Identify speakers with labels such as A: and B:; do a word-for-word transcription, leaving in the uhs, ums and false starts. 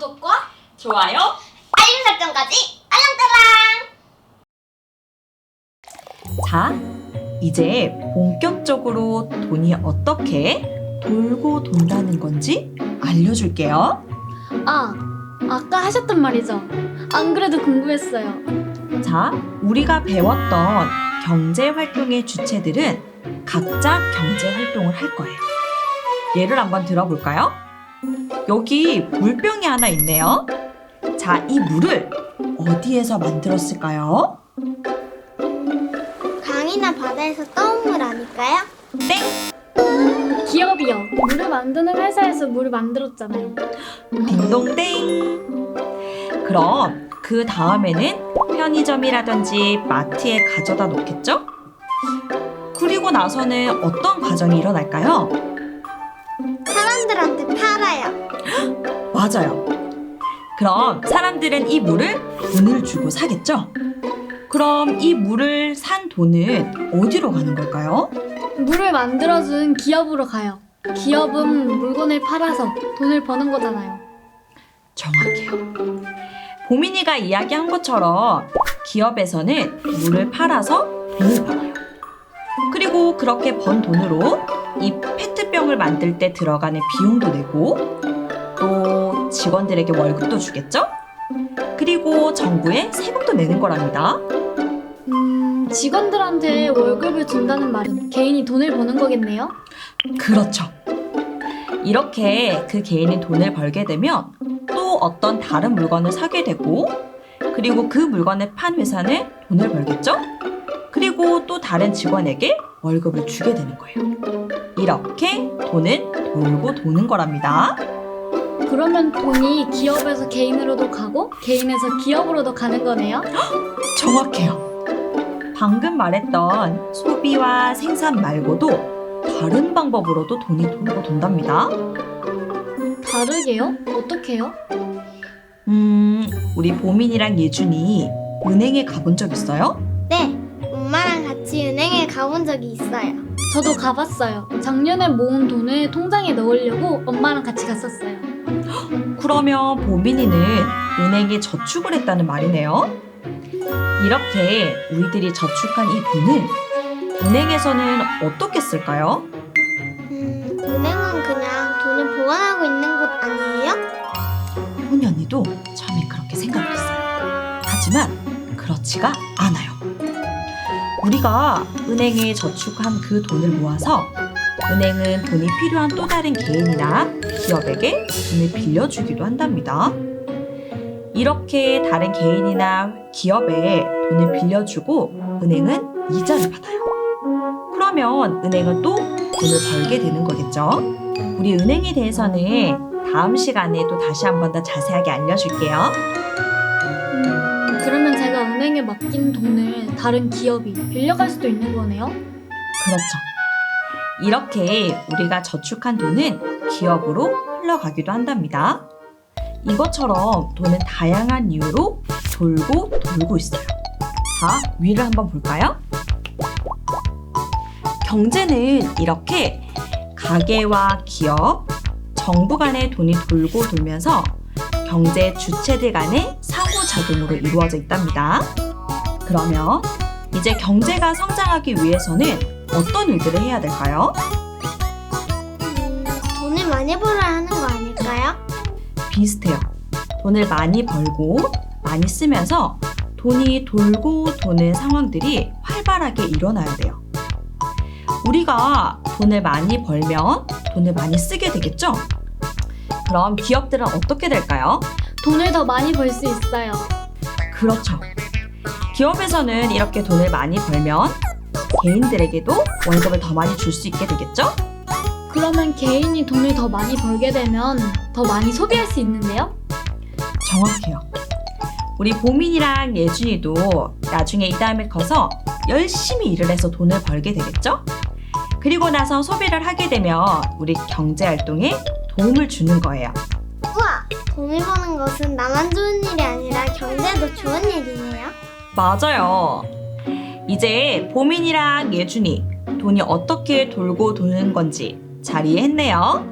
A: 구독과
B: 좋아요.
A: 알림 설정까지 알랑따랑!
C: 자, 이제 본격적으로 돈이 어떻게 돌고 돈다는 건지 알려줄게요.
D: 아, 아까 하셨던 말이죠. 안 그래도 궁금했어요.
C: 자, 우리가 배웠던 경제 활동의 주체들은 각자 경제 활동을 할 거예요. 예를 한번 들어볼까요? 여기 물병이 하나 있네요. 자, 이 물을 어디에서 만들었을까요?
A: 강이나 바다에서 떠온 물 아닐까요?
C: 땡!
D: 기업이요. 물을 만드는 회사에서 물을 만들었잖아요.
C: 딩동댕! 그럼 그 다음에는 편의점이라든지 마트에 가져다 놓겠죠? 그리고 나서는 어떤 과정이 일어날까요?
A: 사람들한테 팔아요.
C: 맞아요. 그럼 사람들은 이 물을 돈을 주고 사겠죠? 그럼 이 물을 산 돈은 어디로 가는 걸까요?
D: 물을 만들어준 기업으로 가요. 기업은 물건을 팔아서 돈을 버는 거잖아요.
C: 정확해요. 보민이가 이야기한 것처럼 기업에서는 물을 팔아서 돈을 벌어요. 그리고 그렇게 번 돈으로 이 페트병을 만들 때 들어가는 비용도 내고 또 직원들에게 월급도 주겠죠? 그리고 정부에 세금도 내는 거랍니다.
D: 음, 직원들한테 월급을 준다는 말은 개인이 돈을 버는 거겠네요?
C: 그렇죠. 이렇게 그 개인이 돈을 벌게 되면 또 어떤 다른 물건을 사게 되고 그리고 그 물건을 판 회사는 돈을 벌겠죠? 그리고 또 다른 직원에게 월급을 주게 되는 거예요. 이렇게 돈은 돌고 도는 거랍니다.
D: 그러면 돈이 기업에서 개인으로도 가고 개인에서 기업으로도 가는 거네요?
C: 정확해요. 방금 말했던 소비와 생산 말고도 다른 방법으로도 돈이 돌고 돈답니다.
D: 다르게요? 어떻게요?
C: 음, 우리 보민이랑 예준이 은행에 가본 적 있어요?
A: 네, 엄마랑 같이 은행에 가본 적이 있어요.
D: 저도 가봤어요. 작년에 모은 돈을 통장에 넣으려고 엄마랑 같이 갔었어요.
C: 그러면 보민이는 은행에 저축을 했다는 말이네요. 이렇게 우리들이 저축한 이 돈을 은행에서는 어떻게 쓸까요?
A: 음, 은행은 그냥 돈을 보관하고 있는 곳 아니에요?
C: 호니 언니도 처음에 그렇게 생각을 했어요. 하지만 그렇지가 않아요. 우리가 은행에 저축한 그 돈을 모아서 은행은 돈이 필요한 또 다른 개인이나 기업에게 돈을 빌려주기도 한답니다. 이렇게 다른 개인이나 기업에 돈을 빌려주고 은행은 이자를 받아요. 그러면 은행은 또 돈을 벌게 되는 거겠죠? 우리 은행에 대해서는 다음 시간에 또 다시 한 번 더 자세하게 알려줄게요.
D: 음, 그러면 제가 은행에 맡긴 돈을 다른 기업이 빌려갈 수도 있는 거네요?
C: 그렇죠. 이렇게 우리가 저축한 돈은 기업으로 흘러가기도 한답니다. 이것처럼 돈은 다양한 이유로 돌고 돌고 있어요. 자, 위를 한번 볼까요? 경제는 이렇게 가계와 기업, 정부 간의 돈이 돌고 돌면서 경제 주체들 간의 상호작용으로 이루어져 있답니다. 그러면 이제 경제가 성장하기 위해서는 어떤 일들을 해야 될까요?
A: 음, 돈을 많이 벌어야 하는 거 아닐까요?
C: 비슷해요. 돈을 많이 벌고 많이 쓰면서 돈이 돌고 도는 상황들이 활발하게 일어나야 돼요. 우리가 돈을 많이 벌면 돈을 많이 쓰게 되겠죠? 그럼 기업들은 어떻게 될까요?
D: 돈을 더 많이 벌 수 있어요.
C: 그렇죠. 기업에서는 이렇게 돈을 많이 벌면 개인들에게도 월급을 더 많이 줄 수 있게 되겠죠?
D: 그러면 개인이 돈을 더 많이 벌게 되면 더 많이 소비할 수 있는데요?
C: 정확해요. 우리 보민이랑 예준이도 나중에 이 다음에 커서 열심히 일을 해서 돈을 벌게 되겠죠? 그리고 나서 소비를 하게 되면 우리 경제 활동에 도움을 주는 거예요.
A: 우와! 돈을 버는 것은 나만 좋은 일이 아니라 경제도 좋은 일이네요.
C: 맞아요. 이제 보민이랑 예준이 돈이 어떻게 돌고 도는 건지 잘 이해했네요.